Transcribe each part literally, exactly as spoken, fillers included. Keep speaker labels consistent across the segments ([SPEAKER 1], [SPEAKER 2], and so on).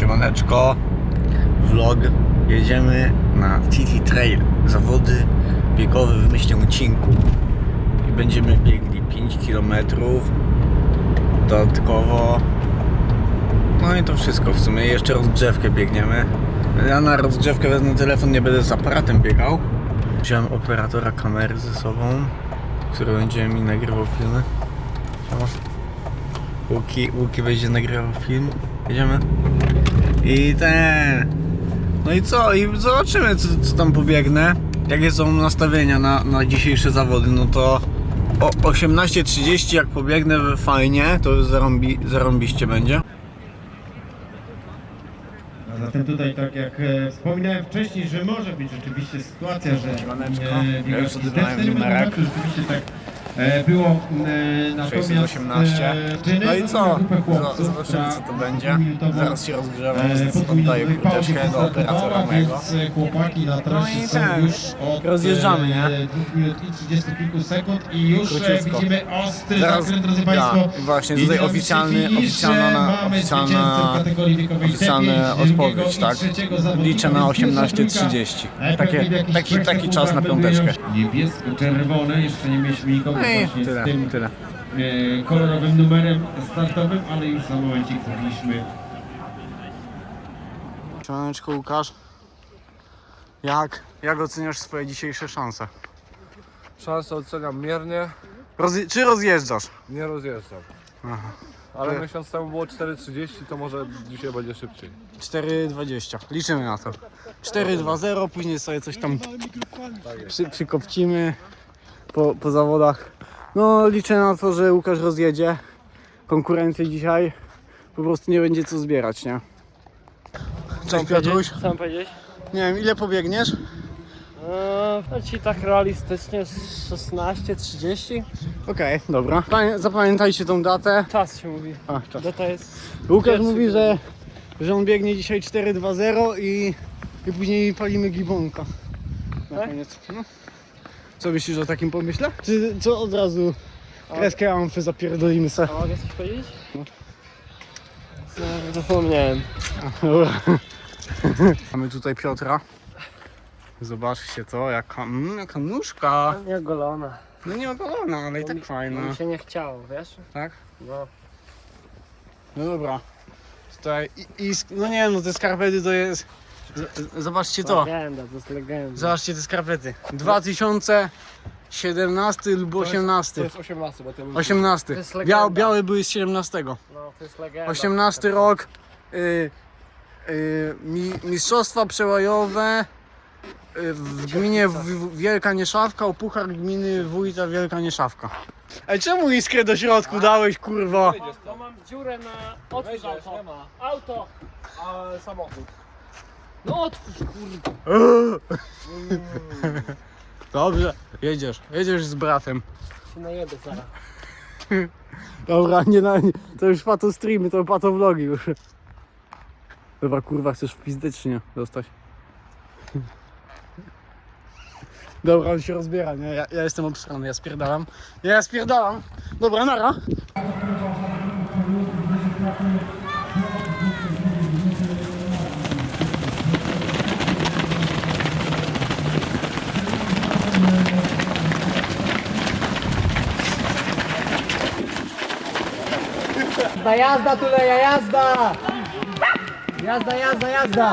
[SPEAKER 1] Siemaneczko, vlog. Jedziemy na T T Trail, zawody biegowe w myślnym odcinku i będziemy biegli pięć kilometrów dodatkowo. No i to wszystko w sumie, jeszcze rozgrzewkę biegniemy. Ja na rozgrzewkę wezmę telefon, nie będę z aparatem biegał. Wziąłem operatora kamery ze sobą, który będzie mi nagrywał filmy. Łuki, Łuki będzie nagrywał film. Jedziemy. I ten. No i co? I zobaczymy, co, co tam pobiegnę. Jakie są nastawienia na, na dzisiejsze zawody. No to o osiemnaście trzydzieści jak pobiegnę fajnie, to zarąbi, zarąbiście będzie.
[SPEAKER 2] A zatem tutaj, tak jak e, wspominałem wcześniej, że może być rzeczywiście sytuacja, że e,
[SPEAKER 1] ja już odebrałem numerek.
[SPEAKER 2] Rzeczywiście tak e, było, e, natomiast
[SPEAKER 1] osiemnaście.
[SPEAKER 2] E,
[SPEAKER 1] no i co?
[SPEAKER 2] chłopców,
[SPEAKER 1] Zobaczymy, co to będzie. Zaraz się rozgrzewam,
[SPEAKER 2] e,
[SPEAKER 1] oddaję kurteczkę do operatora mojego.
[SPEAKER 2] Chłopaki na trasie
[SPEAKER 1] No i
[SPEAKER 2] są
[SPEAKER 1] tak,
[SPEAKER 2] już od
[SPEAKER 1] rozjeżdżamy, nie?
[SPEAKER 2] e, dwóch minut i trzydziestu kilku sekund i już e,
[SPEAKER 1] Króciutko.
[SPEAKER 2] widzimy ostry
[SPEAKER 1] Zaraz-
[SPEAKER 2] zakręt, drodzy
[SPEAKER 1] ja,
[SPEAKER 2] Państwo.
[SPEAKER 1] właśnie, tutaj
[SPEAKER 2] Idziemy
[SPEAKER 1] oficjalny-
[SPEAKER 2] finisz,
[SPEAKER 1] oficjalna-
[SPEAKER 2] mamy
[SPEAKER 1] oficjalna-
[SPEAKER 2] zwycięzcę w kategorii wiekowej
[SPEAKER 1] oficjalna
[SPEAKER 2] T pięć,
[SPEAKER 1] odpowiedź,
[SPEAKER 2] drugiego i
[SPEAKER 1] tak?
[SPEAKER 2] trzeciego zawodnika,
[SPEAKER 1] Liczę na
[SPEAKER 2] więc
[SPEAKER 1] osiemnaście
[SPEAKER 2] pierwsza
[SPEAKER 1] trzydzieści.
[SPEAKER 2] trójka,
[SPEAKER 1] Takie,
[SPEAKER 2] pewnie w jakichś
[SPEAKER 1] taki,
[SPEAKER 2] trzech
[SPEAKER 1] taki czas na
[SPEAKER 2] sekundach
[SPEAKER 1] piąteczkę.
[SPEAKER 2] będą niebiesko-czerwone, jeszcze nie mieliśmy nikogo
[SPEAKER 1] No i
[SPEAKER 2] właśnie
[SPEAKER 1] tyle,
[SPEAKER 2] z tym
[SPEAKER 1] tyle.
[SPEAKER 2] e, kolorowym numerem startowym, ale już za momencik zrobiliśmy.
[SPEAKER 1] Siemaneczko, Łukasz. Jak, jak oceniasz swoje dzisiejsze szanse?
[SPEAKER 3] Szansę oceniam miernie,
[SPEAKER 1] Rozje- czy rozjeżdżasz?
[SPEAKER 3] nie rozjeżdżam.
[SPEAKER 1] Aha.
[SPEAKER 3] Ale
[SPEAKER 1] Ty-
[SPEAKER 3] miesiąc temu było cztery trzydzieści, to może dzisiaj będzie szybciej.
[SPEAKER 1] cztery dwadzieścia. Liczymy na to. cztery dwa zero, później sobie coś tam przy, przykopcimy po, po zawodach. No liczę na to, że Łukasz rozjedzie. Konkurencji dzisiaj po prostu nie będzie co zbierać, nie? Cześć Piotruś.
[SPEAKER 4] Co mam powiedzieć?
[SPEAKER 1] Nie wiem, ile pobiegniesz?
[SPEAKER 4] Eee, no ci tak realistycznie szesnaście trzydzieści.
[SPEAKER 1] Okej, dobra. Pamię- Zapamiętajcie tą datę.
[SPEAKER 4] Czas się mówi.
[SPEAKER 1] A, czas.
[SPEAKER 4] Data jest...
[SPEAKER 1] Łukasz
[SPEAKER 4] Pierwszy
[SPEAKER 1] mówi, że,
[SPEAKER 4] dzień.
[SPEAKER 1] że on biegnie dzisiaj cztery dwa zero i, i później palimy gibonka. Na
[SPEAKER 4] Tak?
[SPEAKER 1] koniec. No. Co myślisz o takim pomyśle? Czy co od razu kreskę amfy zapierdolimy se?
[SPEAKER 4] A mogę coś powiedzieć? No. Zapomniałem.
[SPEAKER 1] Dobra. Mamy tutaj Piotra. Zobaczcie to, jaka, mm, jaka nóżka.
[SPEAKER 4] Nie golona.
[SPEAKER 1] No nie ogolona, ale i tak
[SPEAKER 4] Mi
[SPEAKER 1] fajna.
[SPEAKER 4] się nie chciało, wiesz?
[SPEAKER 1] Tak?
[SPEAKER 4] No.
[SPEAKER 1] No dobra. Tutaj i, i sk- no nie wiem, no te skarpety to jest... z- z- Zobaczcie to.
[SPEAKER 4] Legenda, to jest legenda.
[SPEAKER 1] Zobaczcie te skarpety. dwa tysiące siedemnasty lub
[SPEAKER 3] To
[SPEAKER 1] osiemnasty.
[SPEAKER 3] jest osiemnasty, bo ten
[SPEAKER 1] osiemnasty.
[SPEAKER 4] To jest legenda.
[SPEAKER 1] Biał, białe były z siedemnastego.
[SPEAKER 4] No, to jest legenda.
[SPEAKER 1] osiemnasty rok. Y, y, mi, mistrzostwa przełajowe y, w gminie w, w Wielka Nieszawka, o puchar gminy wójta Wielka Nieszawka. Ej, czemu iskrę do środku dałeś, kurwa?
[SPEAKER 4] To mam dziurę na... Otwórz auto. Auto!
[SPEAKER 3] A samochód.
[SPEAKER 4] No otwórz, kurde.
[SPEAKER 1] Dobrze, jedziesz, jedziesz z bratem.
[SPEAKER 4] Się najedę zaraz.
[SPEAKER 1] Dobra, nie na, nie, to już pato streamy, to pato vlogi już. Dobra, kurwa, chcesz fizycznie dostać. Dobra, on się rozbiera, nie? Ja, ja jestem obstrany, ja spierdalam. Ja spierdalam. Dobra, nara.
[SPEAKER 4] Jazda, jazda, tuleja, jazda! Jazda, jazda, jazda!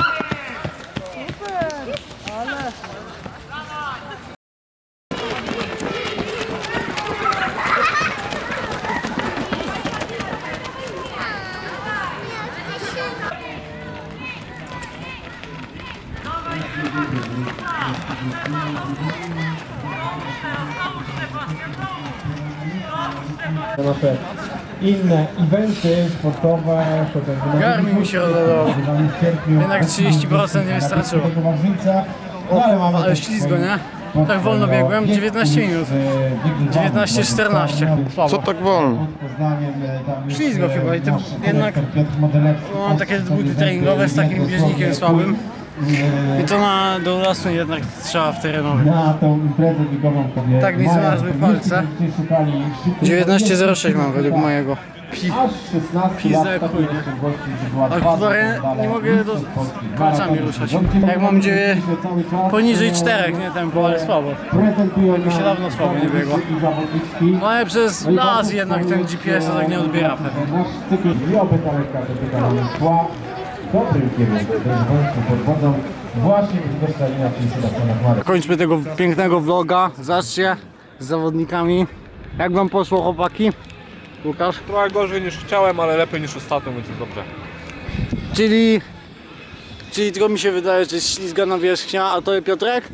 [SPEAKER 2] Nasze inne eventy sportowe, to będzie
[SPEAKER 1] Garmin mi się rozładował. Jednak trzydzieści procent nie wystarczyło.
[SPEAKER 2] O, ale, mamy
[SPEAKER 1] ale ślizgo, nie? Tak wolno biegłem, dziewiętnaście minut. dziewiętnaście czternaście.
[SPEAKER 3] Co tak wolno?
[SPEAKER 1] Ślizgo chyba i to jednak mam takie buty treningowe z takim bieżnikiem słabym. I to na do lasu jednak trzeba w terenowy.
[SPEAKER 2] Na tą imprezę biegową kobietę.
[SPEAKER 1] Tak mi znalazły palce. dziewiętnaście zero sześć mam według mojego.
[SPEAKER 2] Aż szesnaście
[SPEAKER 1] Pizza
[SPEAKER 2] lat
[SPEAKER 1] chuj, nie?
[SPEAKER 2] takiej możliwości, że była
[SPEAKER 1] Ale
[SPEAKER 2] dwa
[SPEAKER 1] kurwa, ja
[SPEAKER 2] medale
[SPEAKER 1] nie mogę do-
[SPEAKER 2] mistrzostw Polski.
[SPEAKER 1] palcami ruszać.
[SPEAKER 2] Bądźcie
[SPEAKER 1] Jak mam dzieje
[SPEAKER 2] cały czas,
[SPEAKER 1] poniżej
[SPEAKER 2] e,
[SPEAKER 1] czterech, nie tempo, ale słabo.
[SPEAKER 2] Prezentują
[SPEAKER 1] Mi się
[SPEAKER 2] nam
[SPEAKER 1] dawno słabo nie biegło.
[SPEAKER 2] zawodnicy i zawodniczki.
[SPEAKER 1] No ale przez
[SPEAKER 2] No i
[SPEAKER 1] las
[SPEAKER 2] bardzo
[SPEAKER 1] jednak ten G P S to tak nie odbiera pewnie.
[SPEAKER 2] Nasz cykl i oby ta lekka wypytana szła w dobrym kierunku, gdyż wątku pod wodą właśnie wykorzystania w Sebastiana Chmary.
[SPEAKER 1] Kończmy tego pięknego vloga. Zobaczcie z zawodnikami. Jak wam poszło, chłopaki? Łukasz?
[SPEAKER 3] Trochę gorzej niż chciałem, ale lepiej niż ostatnio, więc jest dobrze.
[SPEAKER 1] Czyli... Czyli tylko mi się wydaje, że jest ślizgana wierzchnia, a to jest Piotrek?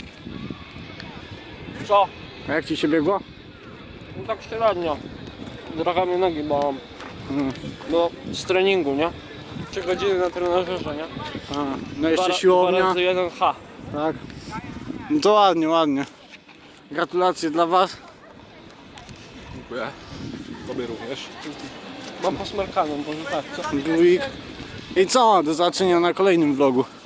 [SPEAKER 4] Co?
[SPEAKER 1] A jak ci się biegło?
[SPEAKER 4] No tak średnio. Trochę mnie nogi bolą.
[SPEAKER 1] Mhm.
[SPEAKER 4] No, z treningu, nie? Trzy godziny na trenażerze, nie?
[SPEAKER 1] A, no jeszcze
[SPEAKER 4] Dwa- Dwa
[SPEAKER 1] siłownia.
[SPEAKER 4] razy jeden H.
[SPEAKER 1] Tak. No to ładnie, ładnie. Gratulacje dla was.
[SPEAKER 3] Dziękuję. Tobie również.
[SPEAKER 4] Mam posmerkaną, może tak, co?
[SPEAKER 1] Dwójk. I co? Do zobaczenia na kolejnym vlogu.